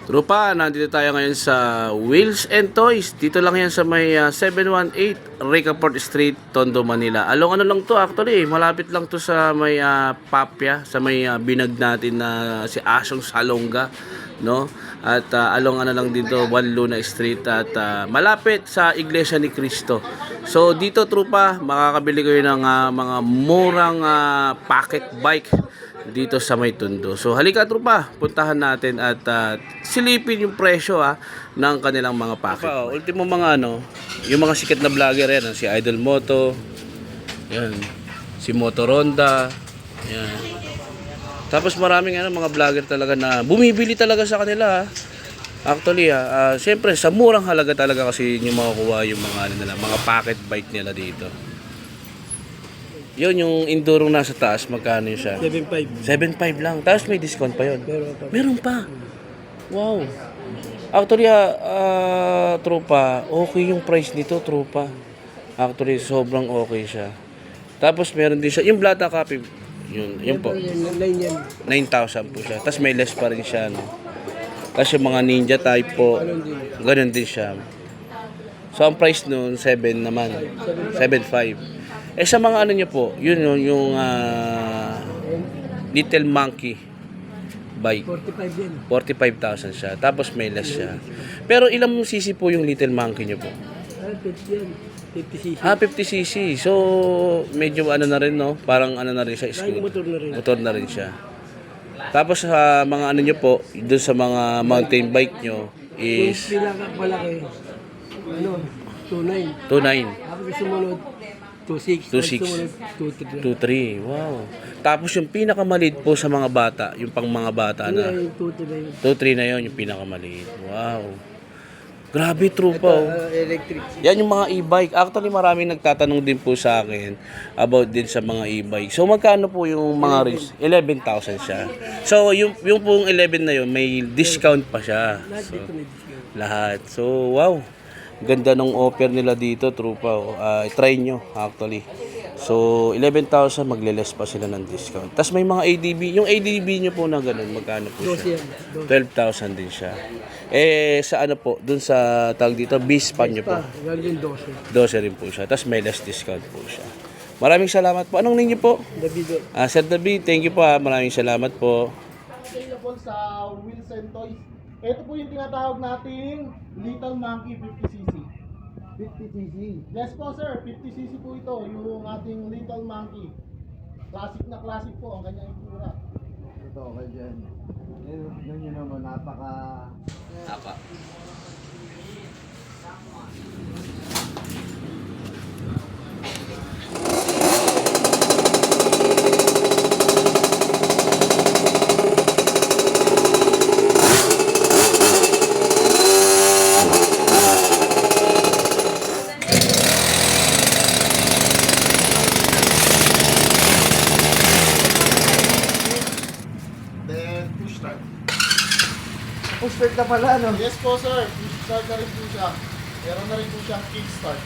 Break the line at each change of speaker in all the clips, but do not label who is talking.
Trupa, nandito tayo ngayon sa Wheels and Toys. Dito lang yan sa may 718 Ricaport Street, Tondo, Manila. Along ano lang to actually, malapit lang to sa may Papya, sa may binag natin na si Asong Salonga, no? At along ano lang dito, Juan Luna Street at malapit sa Iglesia ni Cristo. So dito trupa, makakabili kayo ng mga murang pocket bike dito sa may Tondo. So halika trupa, puntahan natin at silipin yung presyo ng kanilang mga packet. Ultimo mga yung mga sikat na vlogger yan, si Idol Moto, yan, si Moto Ronda, yan. Tapos maraming mga vlogger talaga na bumibili talaga sa kanila. Actually, siyempre sa murang halaga talaga kasi yung makukuha yung mga mga pocket bike nila dito. Yun, yung Enduro nasa taas, magkano yun siya?
7.5.
7.5 lang. Tapos may discount pa yun. Meron pa. Wow. Actually, tropa, okay yung price nito, tropa. Actually, sobrang okay siya. Tapos meron din siya, yung Blata Copy, yun po. 9,000 po siya. Tapos may less pa rin siya, no? Tapos yung mga Ninja type po, ganun din siya. So, ang price nun, 7 naman. 7.5. Sa mga niyo po, yun yung Little Monkey bike.
45 din.
45,000 siya. Tapos may less siya. Pero ilang cc po yung Little Monkey niyo po?
50 yan. 50cc.
50cc. So, medyo na rin, no? Parang na rin siya.
Motor na rin.
Motor na rin siya. Tapos sa mga niyo po, doon sa mga mountain bike nyo is
Yung pinaka-malaki, 2.9.
2.9.
Tapos sumunod, 2.6.
2.6. 2.3. Wow. Tapos yung pinakamaliit po sa mga bata, yung pang mga bata na.
Yung 2.3 na yun.
2.3 na yun, yung pinakamaliit. Wow. Grabe, trupa.
Electric.
Yan yung mga e-bike. Actually, maraming nagtatanong din po sa akin about din sa mga e-bike. So, magkano po yung mga race? 11,000 siya. So, yung pong 11 na yun, may discount pa siya.
Lahat
So,
dito may discount.
lahat. So, wow. Ganda ng offer nila dito, trupa. Try nyo, actually. So, 11,000, magle-less pa sila ng discount. Tapos may mga ADB. Yung ADB nyo po na ganun, magkano po
12
siya?
yan.
12,000 din siya. Sa ano po, dun sa tag dito, B-Span nyo po.
Galing 12.
12 rin po siya. Tapos may less discount po siya. Maraming salamat po. Anong ninyo po?
Davido.
Sir David, thank you po. Maraming salamat po.
Available sa Wheels and Toys. Ito po yung tinatawag nating Little Monkey 50cc.
50cc.
Yes po sir, 50cc po ito, yung ating Little Monkey. Classic na classic po ang kanyang itsura.
Ito, okay dyan. Yun yun naman, napaka...
Then push start.
Push start na pala, no?
Yes po sir, push start na rin po siya. Meron na rin po siyang kick start.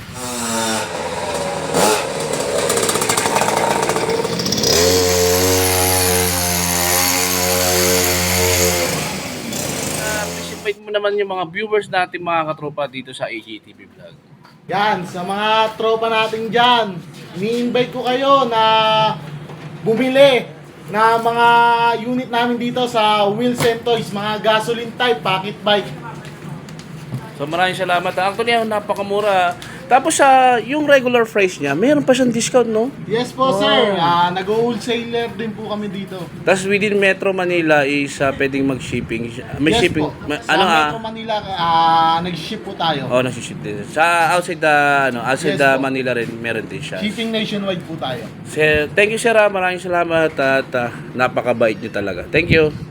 Invite mo naman yung mga viewers natin, mga katropa dito sa AJTV Vlog.
Yan, sa mga tropa natin dyan, ini-invite ko kayo na bumili na mga unit namin dito sa Wheels and Toys, mga gasoline type, pocket bike.
So maraming salamat. Actually, napakamura. Tapos yung regular price niya, meron pa siyang discount, no?
Yes po sir, nag-wholesaler din po kami dito.
Tapos within Metro Manila is pwedeng mag-shipping. May
Yes
shipping.
po, sa Metro Manila, nag-ship po tayo.
Oh, nasi-ship din. Sa outside outside
Yes, po.
Manila rin meron din siya.
Shipping nationwide po tayo.
Sir, thank you sir, maraming salamat at napakabait niyo talaga. Thank you.